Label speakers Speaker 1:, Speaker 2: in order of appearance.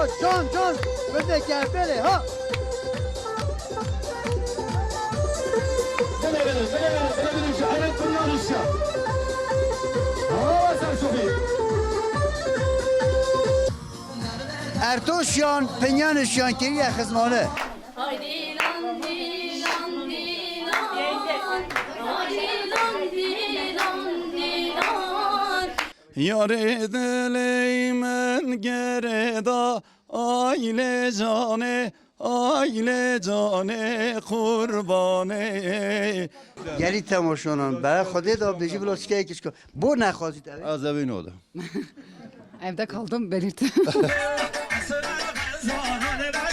Speaker 1: جان بده گردله ها
Speaker 2: بده شعرت کنیانش ها سرشوفی
Speaker 1: ارتوشیان پنیانشیان که یه خزمانه
Speaker 3: Haydi lan dilan dilan Haydi lan dilan dilan
Speaker 4: Yar edileymen gereda aile cane kurbane
Speaker 1: گری تماشانان برای خودی دا بیجی بلا چکه یکیش کن بو نخوازید
Speaker 4: Az evin oldu.
Speaker 5: Evde kaldım belirttim.